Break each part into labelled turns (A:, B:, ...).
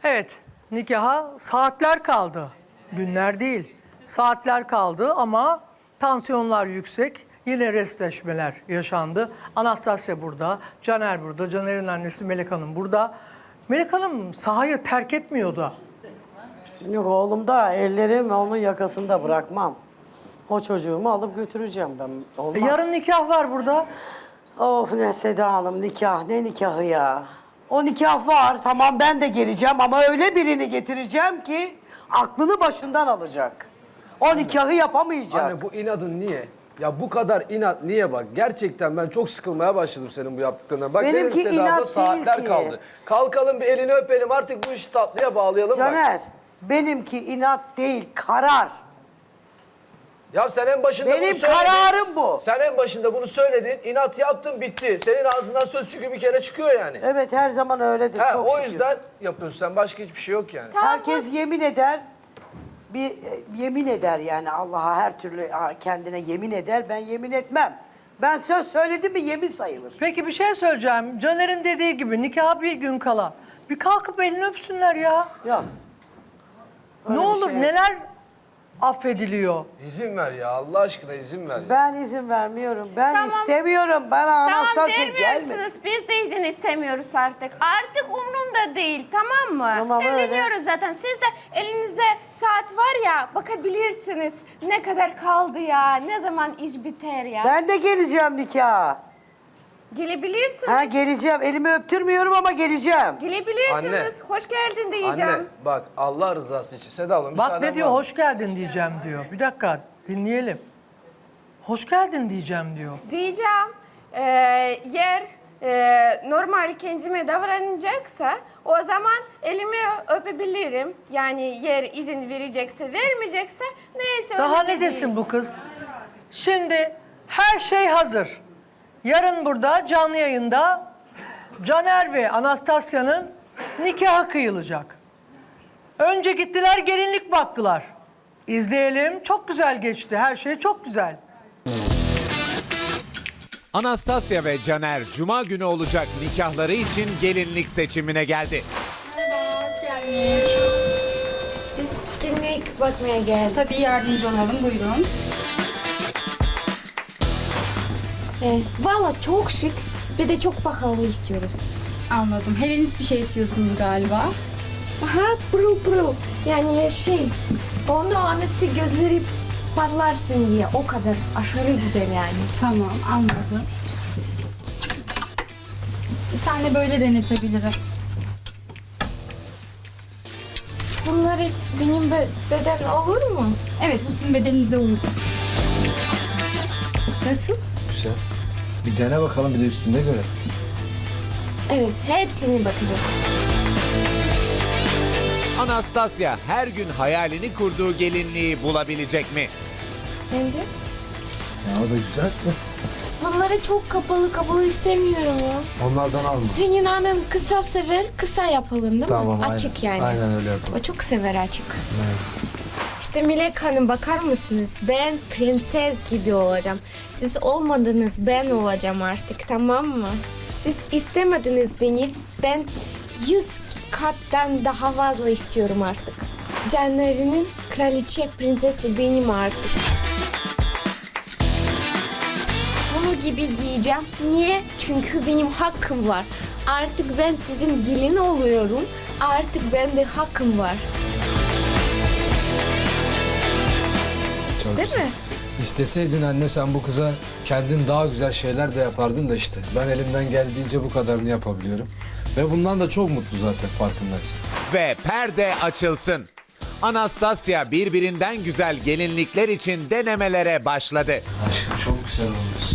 A: Evet, nikaha saatler kaldı. Günler değil, saatler kaldı ama tansiyonlar yüksek. Yine restleşmeler yaşandı. Anastasya burada, Caner burada, Caner'in annesi Melek Hanım burada. Melek Hanım sahayı terk etmiyor da.
B: Yok oğlum da ellerim onun yakasında bırakmam. O çocuğumu alıp götüreceğim ben. Olmaz.
A: Yarın nikah var burada.
B: Of ne Seda Hanım nikah ne nikahı ya. O nikah var tamam ben de geleceğim ama öyle birini getireceğim ki aklını başından alacak. O nikahı yapamayacak.
C: Anne bu inadın niye? Ya bu kadar inat niye bak? Gerçekten ben çok sıkılmaya başladım senin bu yaptıklarından. Bak
B: Benimki
C: dedim Seda'da
B: inat
C: saatler
B: değil ki.
C: kaldı. Kalkalım bir elini öpelim artık bu işi tatlıya bağlayalım bak.
B: Caner benimki inat değil karar.
C: Ya sen en başında
B: Benim
C: bunu söyledin.
B: kararım bu.
C: Sen en başında bunu söyledin. İnat yaptın bitti. Senin ağzından söz çünkü bir kere çıkıyor yani.
B: Evet her zaman öyledir
C: Ha,
B: çok
C: o
B: şükür.
C: yüzden yapıyorsun sen. Başka hiçbir şey yok yani.
B: Herkes yemin eder. Bir yemin eder yani Allah'a her türlü kendine yemin eder. Ben yemin etmem. Ben söz söyledim mi yemin sayılır.
A: Peki bir şey söyleyeceğim. Caner'in dediği gibi nikaha bir gün kala. Bir kalkıp elini öpsünler ya.
B: Yok.
A: Ne
B: Öyle bir
A: olur
B: şey yok.
A: neler affediliyor.
C: İzin ver ya Allah aşkına izin ver ya.
B: Ben izin vermiyorum. Ben
D: Tamam.
B: istemiyorum. Bana
D: Tamam
B: Anastasya
D: vermiyorsunuz.
B: gelmesin.
D: Biz de izin istemiyoruz artık. Artık umrumda değil tamam mı?
B: Tamam, öyle.
D: Evleniyoruz zaten. Siz de elinizde saat var ya bakabilirsiniz. Ne kadar kaldı ya? Ne zaman iş biter ya?
B: Ben de geleceğim nikaha.
D: Gelebilirsiniz.
B: Ha geleceğim. Elimi öptürmüyorum ama geleceğim.
D: Gelebilirsiniz.
C: Anne.
D: Hoş geldin diyeceğim.
C: Anne bak Allah rızası için Seda abla
A: Bak
C: müsaaden
A: ne diyor,
C: var mı?
A: hoş geldin diyeceğim diyor. Bir dakika dinleyelim. Hoş geldin diyeceğim diyor.
D: Diyeceğim. Yer normal kendime davranacaksa o zaman elimi öpebilirim. Yani yer izin verecekse vermeyecekse neyse.
A: Daha
D: önemli
A: ne desin
D: değil.
A: bu kız? Şimdi her şey hazır. Yarın burada canlı yayında Caner ve Anastasya'nın nikahı kıyılacak. Önce gittiler gelinlik baktılar. İzleyelim. Çok güzel geçti. Her şey çok güzel.
E: Anastasya ve Caner Cuma günü olacak nikahları için gelinlik seçimine geldi.
F: Hoş geldiniz.
G: Biz gelinlik bakmaya geldik.
F: Tabii yardımcı olalım, buyurun.
G: Valla çok şık bir de çok pahalı istiyoruz.
F: Anladım. Helenis bir şey istiyorsunuz galiba.
G: Aha pırıl pırıl. Yani onu annesi gözleri patlarsın diye o kadar aşırı güzel yani.
F: Tamam, anladım. Bir tane böyle denetebilirim.
G: Bunları benim beden olur mu?
F: Evet, bu sizin bedeninize uygun.
G: Nasıl?
C: Güzel. Bir dene bakalım bir de üstünde göre.
G: Evet hepsini bakacağım.
E: Anastasya her gün hayalini kurduğu gelinliği bulabilecek mi?
G: Sence?
C: Ya o da güzel.
G: Bunları çok kapalı istemiyorum ya.
C: Onlardan alma.
G: Senin annen kısa sever, kısa yapalım değil
C: Tamam
G: mi?
C: aynen.
G: Açık yani.
C: Aynen öyle yapalım.
G: O çok sever açık. İşte Melek Hanım bakar mısınız? Ben prenses gibi olacağım. Siz olmadınız, ben olacağım artık tamam mı? Siz istemediniz beni. Ben 100 kattan daha fazla istiyorum artık. Caner'in kraliçe prensesi benim artık. Bunu gibi giyeceğim. Niye? Çünkü benim hakkım var. Artık ben sizin gelin oluyorum. Artık bende hakkım var.
C: Çok
G: Değil
C: güzel.
G: mi?
C: İsteseydin anne sen bu kıza kendin daha güzel şeyler de yapardın da işte. Ben elimden geldiğince bu kadarını yapabiliyorum. Ve bundan da çok mutlu zaten farkındaysın.
E: Ve perde açılsın. Anastasya birbirinden güzel gelinlikler için denemelere başladı.
C: Aşkım çok güzel olmuş.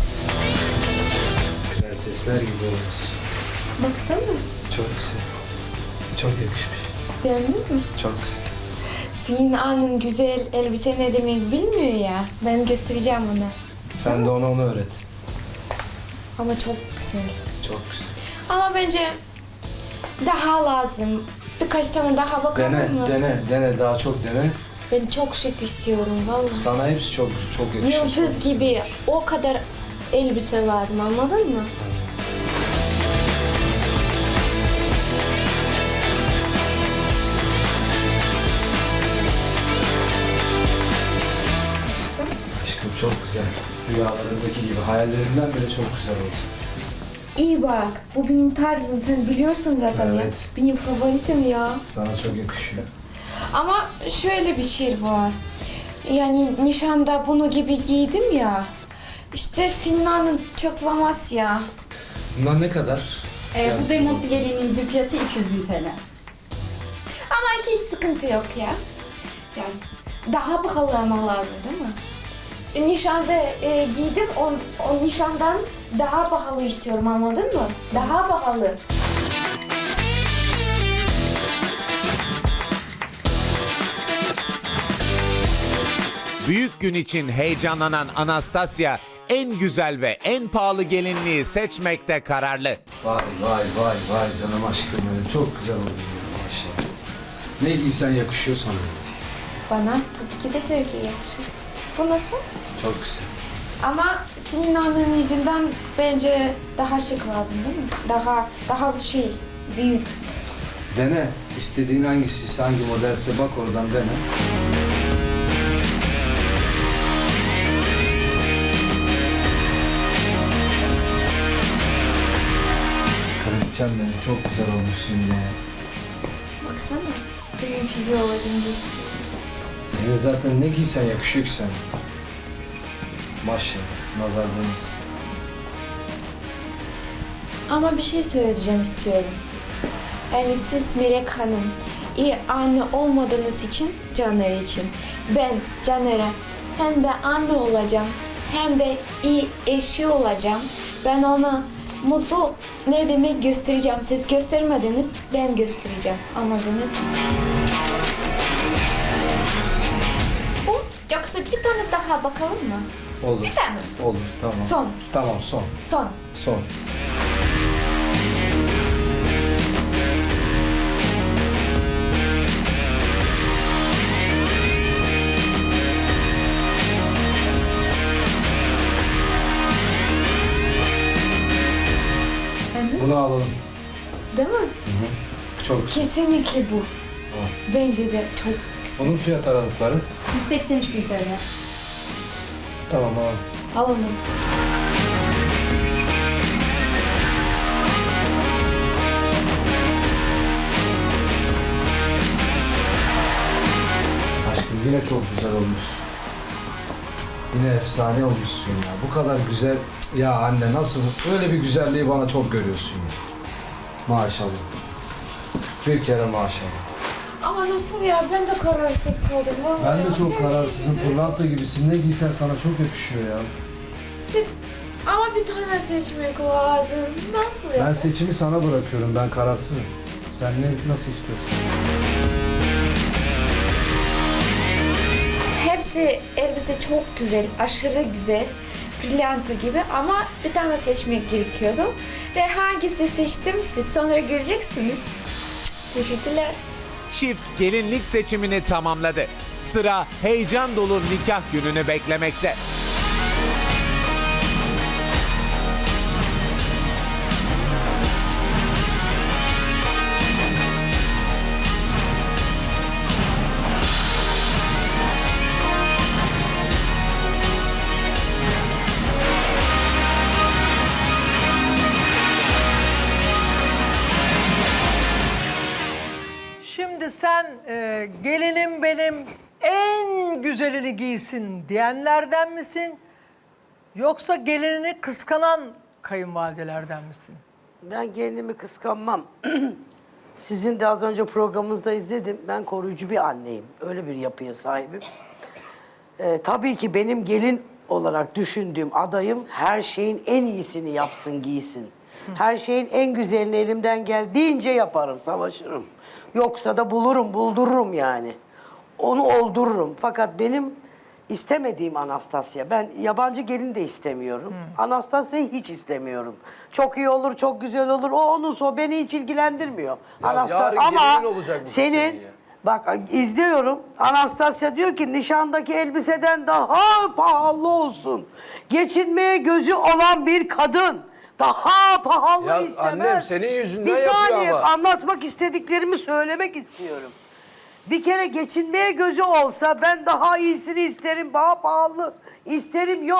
C: Prensesler gibi olmuş.
G: Baksana.
C: Çok güzel. Çok yakışmış.
G: Beğendin mi?
C: Çok güzel.
G: Senin annen güzel elbise ne demek bilmiyor ya. Ben göstereceğim ona.
C: Sen de ona onu öğret.
G: Ama çok güzel.
C: Çok güzel.
G: Ama bence daha lazım. Birkaç tane daha bakalım mı?
C: Dene daha çok dene.
G: Ben çok şık istiyorum vallahi.
C: Sana hepsi çok yakışır.
G: Yıldız
C: çok
G: gibi
C: güzel.
G: o kadar elbise lazım anladın mı?
C: rüyalarındaki gibi hayallerimden bile çok güzel oldu.
G: İyi bak, bu benim tarzım. Sen biliyorsun zaten
C: Evet.
G: ya. Benim favoritim ya.
C: Sana çok yakışıyor.
G: Ama şöyle bir şey var. Yani nişanda bunu gibi giydim ya. İşte Sinan'ın çatlamaz ya.
C: Bunlar ne kadar?
F: Bu remontlu gelinliğimizin fiyatı 200.000 TL.
G: Ama hiç sıkıntı yok ya. Yani daha pahalı ama lazım değil mi? Nişanda giydim, o nişandan daha pahalı istiyorum, anladın mı? Daha pahalı.
E: Büyük gün için heyecanlanan Anastasia en güzel ve en pahalı gelinliği seçmekte kararlı.
C: Vay canım aşkım benim. Çok güzel oldu maşallah. Ne giysen yakışıyor sana.
G: Bana tabii ki de böyle yakışır. Bu nasıl?
C: Çok güzel.
G: Ama Sinan'ın yüzünden bence daha şık lazım değil mi? Daha büyük.
C: Dene. İstediğin hangisiyse, hangi modelse bak oradan dene. Kraliçem benim. Çok güzel olmuşsun ya.
G: Baksana. Benim fizyolojim
C: Senin zaten ne giysen yakışıyor ki sana. Maşallah. Nazar değmesin.
G: Ama bir şey söyleyeceğim istiyorum. Yani siz Melek Hanım iyi anne olmadığınız için Caner için. Ben Caner'e hem de anne olacağım hem de iyi eşi olacağım. Ben ona mutlu ne demek göstereceğim. Siz göstermediniz, ben göstereceğim. Anladınız mı? Bu yoksa bir tane daha bakalım mı?
C: Olur.
G: Bir tane mi?
C: Olur. Tamam.
G: Son.
C: Tamam son.
G: Son.
C: Son. Bunu alalım.
G: Değil mi?
C: Çok güzel.
G: Kesinlikle bu.
C: Tamam.
G: Bence de çok güzel.
C: Bunun fiyat aralıkları.
F: 183.000 TL.
C: Tamam alalım.
G: Alalım.
C: Aşkım yine çok güzel olmuş. Yine efsane olmuşsun ya. Bu kadar güzel. Ya anne nasıl? Böyle bir güzelliği bana çok görüyorsun ya. Maşallah. Bir kere maşallah.
G: Ama nasıl ya? Ben de kararsız kaldım. Vallahi
C: Ben
G: ya.
C: de çok
G: Her
C: kararsızım.
G: şey
C: Pırlanta gibisin. Ne giysen sana çok yakışıyor ya.
G: İşte, ama bir tane seçmek lazım. Nasıl ya?
C: Ben seçimi sana bırakıyorum. Ben kararsızım. Sen nasıl istiyorsun?
G: Hepsi elbise çok güzel, aşırı güzel. Pırlanta gibi ama bir tane seçmek gerekiyordu. Ve hangisi seçtim siz sonra göreceksiniz. Teşekkürler.
E: Çift gelinlik seçimini tamamladı. Sıra heyecan dolu nikah gününü beklemekte.
A: Şimdi sen gelinim benim en güzelini giysin diyenlerden misin? Yoksa gelinini kıskanan kayınvalidelerden misin?
B: Ben gelinimi kıskanmam. Sizin de az önce programınızda izledim. Ben koruyucu bir anneyim. Öyle bir yapıya sahibim. Tabii ki benim gelin olarak düşündüğüm adayım her şeyin en iyisini yapsın, giysin. Her şeyin en güzelini elimden geldiğince yaparım, savaşırım. Yoksa da buldururum yani. Onu oldururum. Fakat benim istemediğim Anastasia. Ben yabancı gelin de istemiyorum. Anastasia'yı hiç istemiyorum. Çok iyi olur, çok güzel olur. O onun beni hiç ilgilendirmiyor.
H: yarın
B: Ama
H: gelinin olacak bu
B: senin
H: senin ya.
B: bak izliyorum. Anastasia diyor ki nişandaki elbiseden daha pahalı olsun. Geçinmeye gözü olan bir kadın daha pahalı
H: Ya
B: istemez.
H: annem senin yüzünden
B: bir
H: yapıyor
B: saniye
H: ama.
B: anlatmak istediklerimi söylemek istiyorum. Bir kere geçinmeye gözü olsa ben daha iyisini isterim, daha pahalı isterim yok.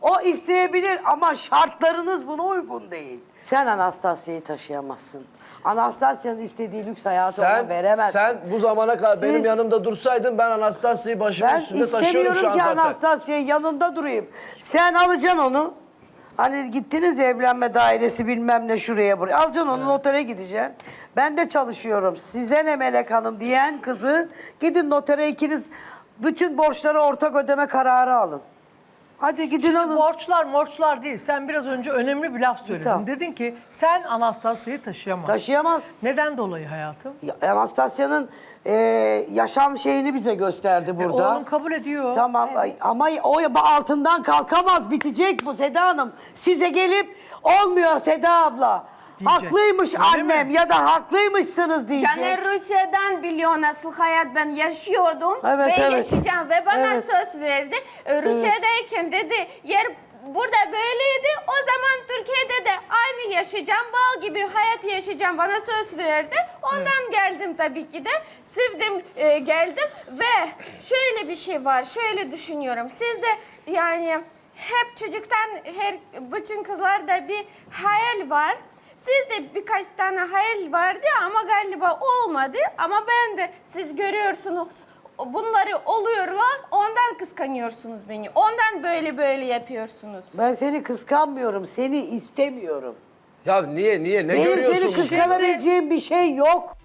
B: O isteyebilir ama şartlarınız buna uygun değil. Sen Anastasya'yı taşıyamazsın. Anastasya'nın istediği lüks hayatı ona veremezsin.
H: Sen bu zamana kadar
B: Siz-
H: benim yanımda dursaydın ben Anastasya'yı başımın
B: Ben
H: üstünde taşıyorum
B: istemiyorum
H: şu an
B: ki
H: zaten.
B: Anastasya'nın yanında durayım. Sen alacaksın onu. Hani gittiniz evlenme dairesi bilmem ne şuraya buraya. Alacaksın onu notere gideceksin. Ben de çalışıyorum. Size ne Melek Hanım diyen kızı gidin notere ikiniz bütün borçları ortak ödeme kararı alın. Hadi gidin alın.
A: Borçlar değil. Sen biraz önce önemli bir laf söyledin.
B: Tamam.
A: Dedin ki sen Anastasya'yı taşıyamazsın.
B: Taşıyamaz.
A: Neden dolayı hayatım?
B: Anastasya'nın yaşam şeyini bize gösterdi burada.
A: Oğlum kabul ediyor.
B: Tamam ama o altından kalkamaz, bitecek bu Seda Hanım. Size gelip olmuyor Seda abla.
A: Diyecek.
B: Haklıymış
A: Öyle
B: annem
A: mi?
B: ya da haklıymışsınız diyecek.
D: Caner Rusya'dan biliyor nasıl hayat ben yaşıyordum
B: Evet,
D: ve
B: evet.
D: yaşayacağım ve bana
B: Evet.
D: söz verdi. Rusya'dayken dedi yer burada böyleydi o zaman Türkiye'de de aynı yaşayacağım bal gibi hayat yaşayacağım bana söz verdi. Ondan geldim tabii ki de sevdim geldim ve şöyle bir şey var şöyle düşünüyorum siz de yani hep çocuktan bütün kızlarda bir hayal var. Sizde birkaç tane hayal vardı ama galiba olmadı. Ama ben de siz görüyorsunuz bunları oluyorlar. Ondan kıskanıyorsunuz beni. Ondan böyle yapıyorsunuz.
B: Ben seni kıskanmıyorum, seni istemiyorum.
H: Ya niye ne
B: Benim
H: görüyorsun?
B: seni kıskanabileceğim bir şey yok.